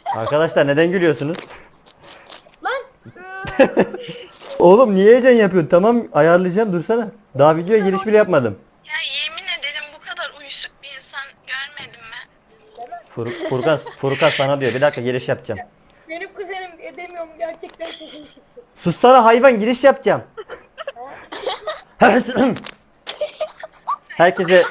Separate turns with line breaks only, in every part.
Arkadaşlar neden gülüyorsunuz?
Lan.
Oğlum niye heyecan yapıyorsun? Tamam ayarlayacağım dursana. Daha videoya giriş bile yapmadım.
Ya yemin ederim bu kadar uyuşuk bir insan görmedim ben.
Furkan sana diyor. Bir dakika giriş yapacağım.
Benim kuzenim edemiyorum gerçekten çok iyi çıktı.
Sussana hayvan giriş yapacağım. Herkese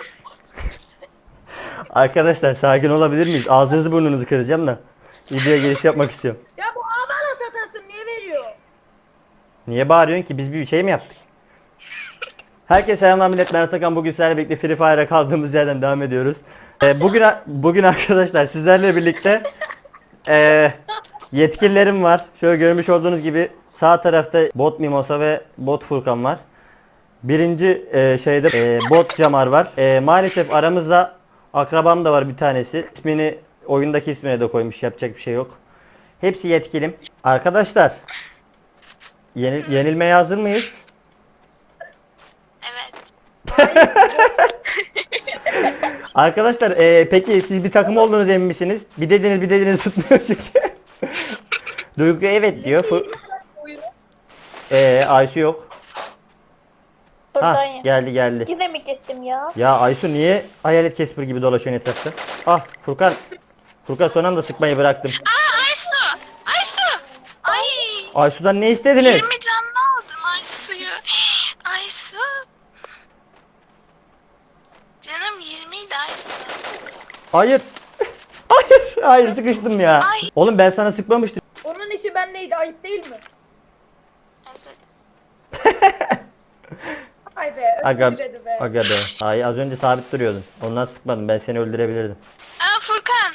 Arkadaşlar sakin olabilir miyiz? Ağzınızı burnunuzu kıracağım da. Videoya giriş yapmak istiyorum.
Ya bu abana satasın niye veriyor?
Niye bağırıyorsun ki? Biz bir şey mi yaptık? Herkese selamlar millet. Ben Atakan. Bugün sizlerle birlikte Free Fire'a kaldığımız yerden devam ediyoruz. Bugün arkadaşlar sizlerle birlikte yetkililerim var. Şöyle görmüş olduğunuz gibi sağ tarafta bot Mimosa ve bot Furkan var. Birinci şeyde bot Camar var. Maalesef aramızda akrabam da var bir tanesi. İsmini oyundaki ismine de koymuş. Yapacak bir şey yok. Hepsi yetkilim. Arkadaşlar yenilmeye hazır mıyız?
Evet.
Arkadaşlar peki siz bir takım olduğunuz emin misiniz? Bir dediniz tutmuyor çünkü. Duygu evet diyor. Aysu yok.
Buradan
Ha
ya.
geldi.
Yine mi gittim ya?
Ya Aysu niye hayalet Casper gibi dolaşıyorsun etrafta? Ah Furkan son anda sıkmayı bıraktım.
Aa Aysu! Aysu! Ay!
Aysu'dan ne istediniz?
20 canlı aldım Aysu'yu. Aysu! Canım 20 idi Aysu.
Hayır. Hayır sıkıştım ya.
Ay.
Oğlum ben sana sıkmamıştım.
Onun işi ben neydi ayıp değil mi?
Özür
Ay be
Aga,
özür diledi be.
aga be. Hayır az önce sabit duruyordun. Ondan sıkmadım. Ben seni öldürebilirdim.
Aa Furkan!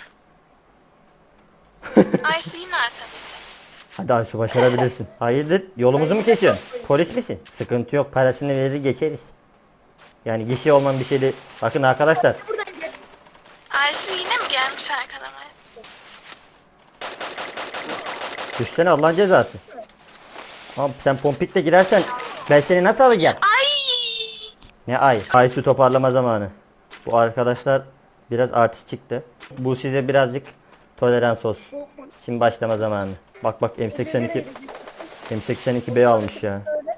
Aysu yine arkalayacak.
Hadi Aysu başarabilirsin. Hayırdır? Yolumuzu mu kesiyorsun? Polis misin? Sıkıntı yok. Parasını verir geçeriz. Yani gişe olmayan bir şeydi. Bakın arkadaşlar.
Buradan gel.
Aysu yine mi gelmiş arkalamaya?
Düşsene Allah'ın cezası. Abi sen pompikle girersen ben seni nasıl alacağım?
Ay!
Ne ay? Aysu toparlama zamanı. Bu arkadaşlar biraz artist çıktı. Bu size birazcık tolerans olsun. Şimdi başlama zamanı. Bak M82B almış ya.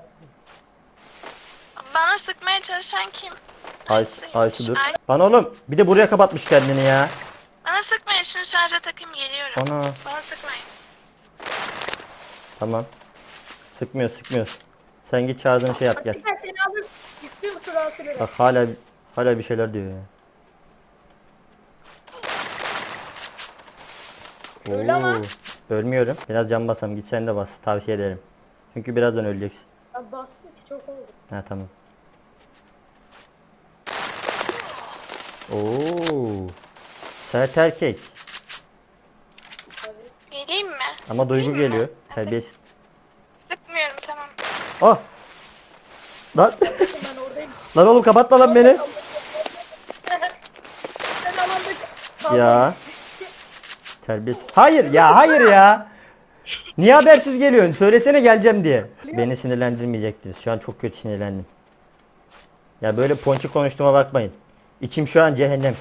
Bana sıkmaya çalışan kim?
Aysu dur.
Ay,
Lan oğlum bir de buraya kapatmış kendini ya.
bana sıkmayın şunu şarja takayım geliyorum.
Ana.
Bana sıkmayın.
Tamam. Sıkmıyoruz. Sen git çağırdığın şey yap gel.
Hakikaten seni alır. Gittim sıra sıraya.
Bak hala bir şeyler diyor ya.
Öyle ama.
Ölmüyorum. Biraz can basam. Git sen de bas. Tavsiye ederim. Çünkü birazdan öleceksin.
Ya bastım ki çok oldu.
Ha tamam. Oo. Sert erkek.
Geleyim mi?
Ama Duygu
Sıkayım mı?
geliyor. Terbiyesiz.
Sıkmıyorum tamam.
Ah. Lan.
Ben oradayım.
Lan oğlum kapatma lan beni.
Sen alanda kal.
Ya. Terbiyesiz. Hayır ya. Niye habersiz geliyorsun? Söylesene geleceğim diye. Beni sinirlendirmeyecektiniz. Şu an çok kötü sinirlendim. Ya böyle ponçik konuştuğuma bakmayın. İçim şu an cehennem.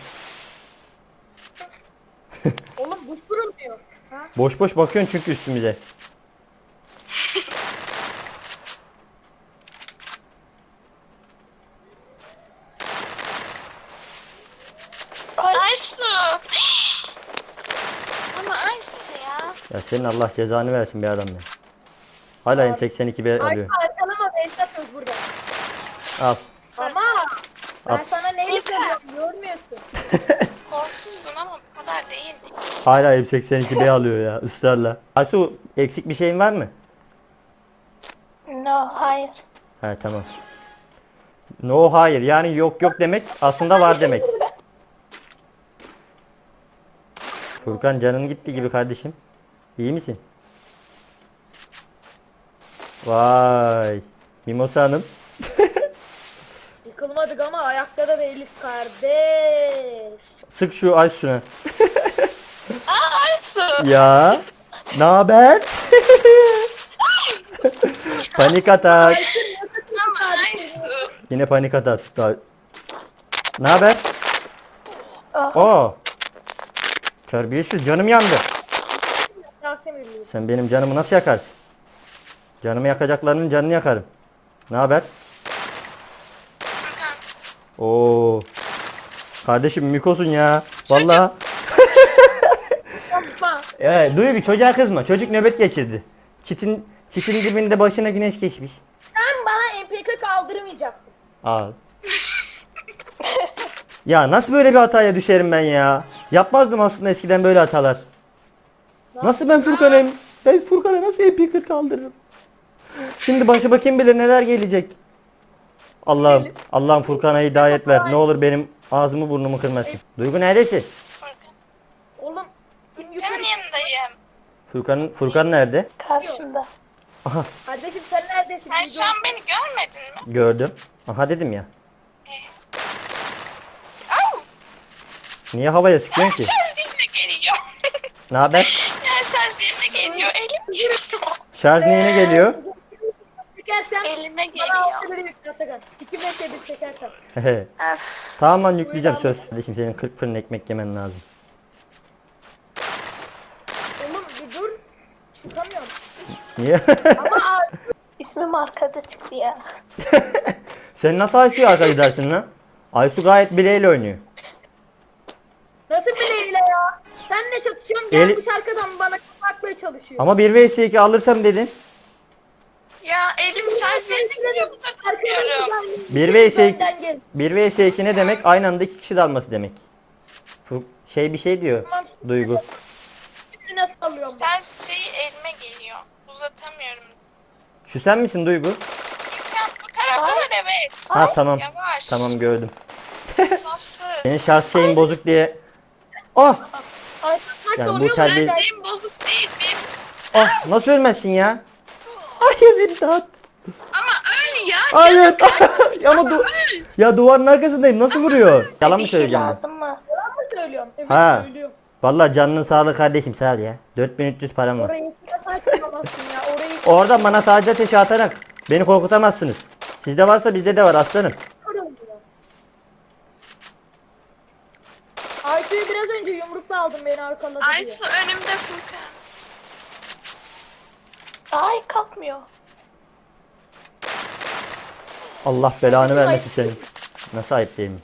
Oğlum bu kurulmuyor. Ha?
Boş boş bakıyorsun çünkü üstümüze.
Aysu! Ama Aysu ya.
Ya senin Allah cezanı versin bir adam ya. Hala M82B
Ay
alıyor.
arkalama Behzat yok burada.
Al.
Ama ben
Al.
sana neyle
Yeter.
söylüyorum görmüyorsun.
Korkuzdun ama bu kadar değildi.
Hala M82B alıyor ya ısrarla. Aysu eksik bir şeyin var mı?
No, hayır.
Ha tamam. No hayır yani yok demek aslında var demek. Furkan canın gitti gibi kardeşim. İyi misin? Vay. Mimosa Hanım.
Yıkılmadık ama ayakta da değiliz kardeş.
Sık şu Aysu'na.
Aa Aysu!
Ya. Ne haber? Panik atak.
Ama Aysu!
Yine panik atak tuttu. Ne haber?
Ah.
Oo. Terbiyesiz canım yandı.
sinirliyim.
Sen benim canımı nasıl yakarsın? Canımı yakacaklarının canını yakarım. Ne haber?
Furkan.
Oo. Kardeşim Mikosun ya. Vallahi.
Yapma.
Duygu çocuğa kızma. Çocuk nöbet geçirdi. Çitin dibinde başına güneş geçmiş.
Sen bana MP40 aldırmayacaktın.
Aa. Ya nasıl böyle bir hataya düşerim ben ya? Yapmazdım aslında eskiden böyle hatalar. Nasıl ben Furkan'ım? Ben Furkan'a nasıl MP40 kaldırırım? Şimdi başıma kim bilir neler gelecek. Allah'ım Furkan'a hidayet ver. Ne olur benim ağzımı burnumu kırmasın. Duygu neredesin?
Furkan.
Oğlum
Senin
yukarı.
yanındayım.
Furkan nerede?
Karşımda.
Kardeşim sen neredesin?
Sen şu an beni görmedin mi?
Gördüm. Aha dedim ya.
Au!
Niye havaya sıkıyorsun ki?
Şarj yerine geliyor.
Ne haber?
Ya şarj yerine geliyor. Elim geliyor.
Şarj neyine geliyor?
Çekersen
Elime
bana
geliyor.
6 biri yükle Atakan. 2 metre bir çekersen.
Öf.
Tamam lan yükleyeceğim söz. Kardeşim senin 40 fırın ekmek yemen lazım.
Oğlum bir dur. Çıkamıyorum.
Niye?
Ama
İsmim arkada çıktı ya.
Sen nasıl Aysu'yu arka gidersin lan? Aysu gayet bileğiyle oynuyor.
nasıl bileğiyle ya? Senle çatışıyorum
Eli-
gelmiş arkadan bana kapatmaya çalışıyor.
Ama 1 vs 2 alırsam dedin.
Ya elim şarj yerine geliyor. Uzatamıyorum.
1 vs 2
Önden gel.
1 vs 2 ne demek? Aynı anda 2 kişi dalması demek. Bir şey diyor
Tamam.
Duygu.
Şimdi nasıl alıyorum?
Şarj şeyi elime geliyor. Uzatamıyorum.
Şu sen misin Duygu?
Ya bu tarafta da evet.
Ha tamam.
Yavaş.
Tamam gördüm.
Safsız.
Senin şarj şeyin bozuk diye. Oh!
Ay, kaç
Yani bu
oluyor
terbiye-
lan?
Şeyim bozuk değil benim.
Oh! Nasıl ölmezsin ya? Hayır beni dağıt.
Ama öyle ya.
Hayır. Ama ya duvarın arkasındayım. Nasıl vuruyor? Yalan mı
Bir şey
söyleyeceğim ben?
lazım mı?
Yalan mı söylüyorum? Evet
Ha.
söylüyorum.
Vallahi canının sağlığı kardeşim sağ ol ya. 4300 param var.
Orayı saçmalamazsın ya. Orayı
Oradan bana sadece ateşi atarak beni korkutamazsınız. Sizde varsa bizde de var aslanım.
kırılmıyor. Aysu'yu biraz önce yumrukla aldım beni arkaladı diye.
Aysu önümde Furkan.
Ay kalkmıyor.
Allah belanı vermesin senin. Nasıl ayıp değil mi?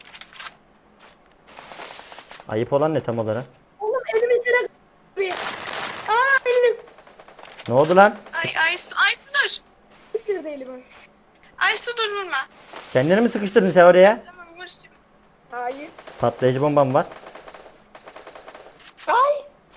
Ayıp olan ne tam olarak?
Oğlum elimi içine bir. Aa elim.
Ne oldu lan?
Aysu dur.
Bitirdi elimi.
Aysu dur vurma.
Kendini mi sıkıştırdın sen oraya?
Tamam vur şimdi.
Hayır.
Patlayıcı bombam var.
Ay.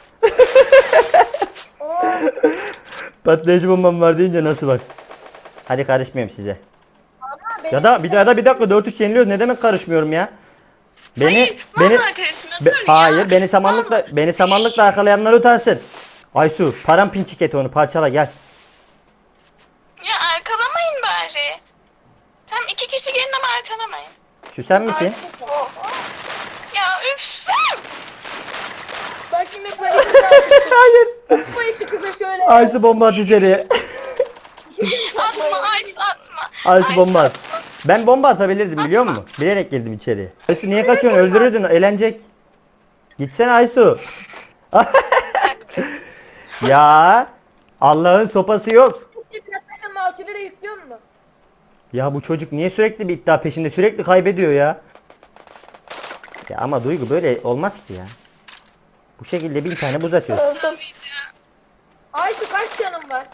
Patlayıcı bombam var deyince nasıl bak. Hadi karışmayayım size.
Ama benim
Ya da bir dakika 4-3 yeniliyoruz. Ne demek karışmıyorum ya?
Hayır, vallahi karışmıyor. Dur ya.
Hayır, beni samanlıkla arkalayanlar utansın. Aysu, param pinçik et onu parçala gel.
Ya arkalamayın bari. Tam 2 kişi gelin ama arkalamayın.
Şu sen misin?
Ya üf.
Bak yine panik
Hayır.
Bu işi kıza şöyle.
Aysu bomba at içeriye.
Atma Aysu atma.
Aysu bomba at.
atma.
Ben bomba atabilirdim biliyor musun? Bilerek girdim içeriye. Aysu niye kaçıyorsun? Öldürürdün, eğlenecek. Gitsene Aysu. Ya Allah'ın sopası yok.
Yaklaşık malçıları yüklüyor mu?
Ya bu çocuk niye sürekli bir iddia peşinde? Sürekli kaybediyor ya. Ya ama Duygu böyle olmaz ki ya. Bu şekilde 1000 tane buz atıyorsun.
Öldüm.
Aysu kaç canım var?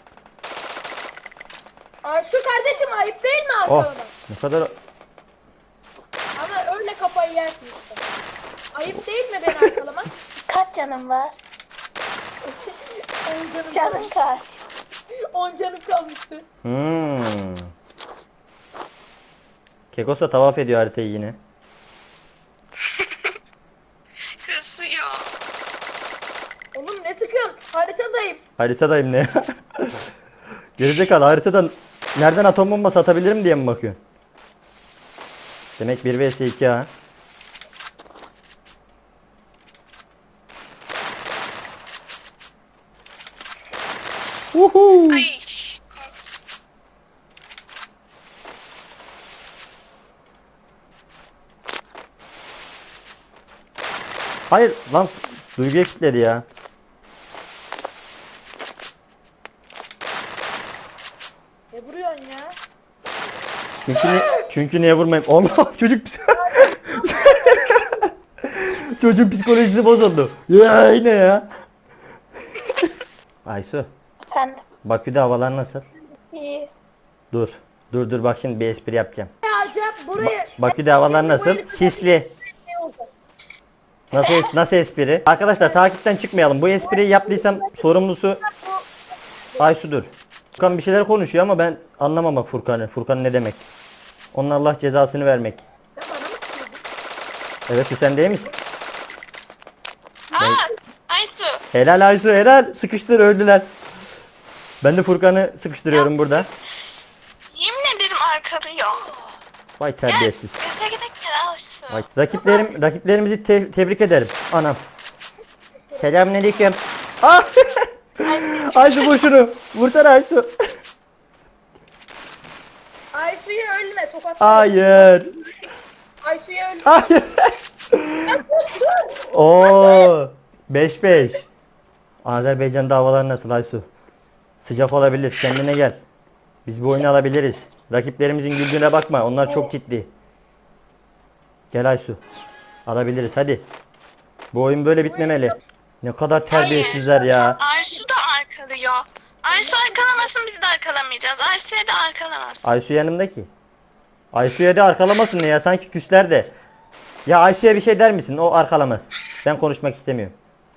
Aysu kardeşim ayıp değil mi
Oh
arkalama?
ne kadar...
Ama öyle kafayı yersin işte. Ayıp değil mi beni arkalamak?
Kaç canım var?
10 canım
Canın
kalmış.
kaç?
10 canım kalmıştı.
Kekosa tavaf ediyor haritayı yine.
Kısıyor.
Oğlum ne sıkıyorsun? Haritadayım.
Haritadayım ne ya? Gerizekalı haritadan nereden atom bombası atabilirim diye mi bakıyorsun? Demek 1 vs 2 ha. Uhu.
Ay.
Hayır lan Duygu'ya kilitledi ya. Çünkü niye vurmayayım? Allah çocuk çocuğun psikolojisi bozuldu. Ya yine ya. Aysu,
Efendim.
Bakü'de havalar nasıl?
İyi.
Dur bak şimdi bir espri yapacağım.
Acayip buraya
Bakü'de havalar nasıl? Sisli. Nasıl espri? Arkadaşlar takipten çıkmayalım. Bu espriyi yaptıysam sorumlusu Aysu'dur. Furkan bir şeyler konuşuyor ama ben anlamam bak Furkan'ı. Furkan ne demek? Onun Allah cezasını vermek. Evet şu sen değil misin?
Aysu.
Helal Aysu helal. Sıkıştır öldüler. Ben de Furkan'ı sıkıştırıyorum burada.
Yemin ederim arkalıyor.
Vay terbiyesiz.
Göze gidek gel Aysu.
Vay. Rakiplerimizi tebrik ederim. Anam. Selamünaleyküm. Ah! Aysu vur şunu. Vursana Aysu.
Aysu'yu ölme tokat.
Hayır.
Aysu'yu ölme.
Hayır. Oo. 5-5. Azerbaycan'da havalar nasıl Aysu? Sıcak olabilir. Kendine gel. Biz bu oyunu alabiliriz. Rakiplerimizin güldüğüne bakma. Onlar çok ciddi. Gel Aysu. Alabiliriz hadi. Bu oyun böyle bitmemeli. Ne kadar terbiyesizler ya.
Aysu da arkalıyor. Aysu arkalamasın biz de arkalamayacağız. Aysu'ya da arkalamasın.
Aysu yanımdaki. Aysu'ya da arkalamasın ne ya sanki küsler de. Ya Aysu'ya bir şey der misin? O arkalamaz. Ben konuşmak istemiyorum.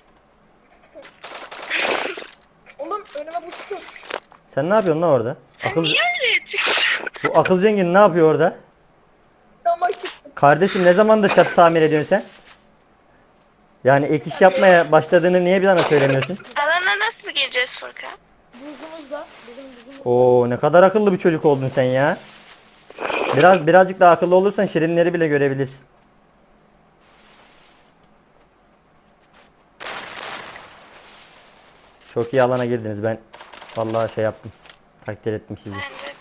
Oğlum önüme bu çıkıyor.
Sen ne yapıyorsun lan orada?
Sen
Akıl,
niye oraya çıktın?
bu akıl zengin ne yapıyor orada?
Dama çıktı.
Kardeşim ne zamandır çatı tamir ediyorsun sen? Yani ek iş yapmaya başladığını niye bir bana söylemiyorsun?
Alana nasıl gireceğiz Furkan?
Buzumuzda. Bizim buzumuz.
Oo ne kadar akıllı bir çocuk oldun sen ya. Birazcık daha akıllı olursan şirinleri bile görebilirsin. Çok iyi alana girdiniz. Ben vallahi şey yaptım. Takdir ettim sizi.
Bence.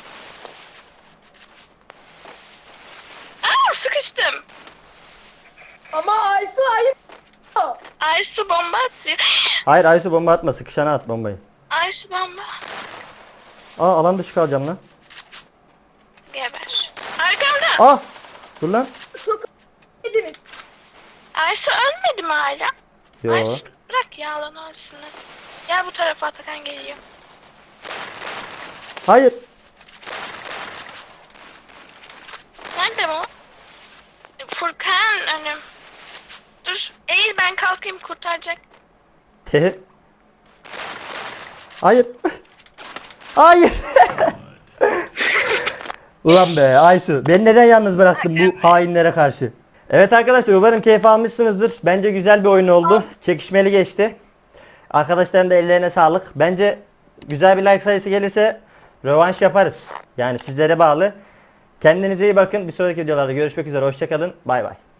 Sıkıştım.
Ama Aysu hayır.
Aysu bomba atıyor.
Hayır Aysu bomba atma. Sıkışana at bombayı.
Aysu bomba.
Aa alan dışı kalacağım lan.
Geber. Arkamda.
Aa dur lan.
Çok ediniz.
Aysu ölmedi mi hala?
Yo.
Aysu bırak ya alan olsun. Gel bu tarafa Atakan geliyor.
Hayır.
Nerede bu? Furkan önüm. Dur eğil ben kalkayım kurtaracak.
Te. Hayır. Hayır. Ulan be Aysu. Beni neden yalnız bıraktın bu hainlere karşı? Evet arkadaşlar umarım keyif almışsınızdır. Bence güzel bir oyun oldu. Çekişmeli geçti. Arkadaşların da ellerine sağlık. Bence güzel bir like sayısı gelirse rövanş yaparız. Yani sizlere bağlı. Kendinize iyi bakın. Bir sonraki videolarda görüşmek üzere. Hoşçakalın. Bay bay.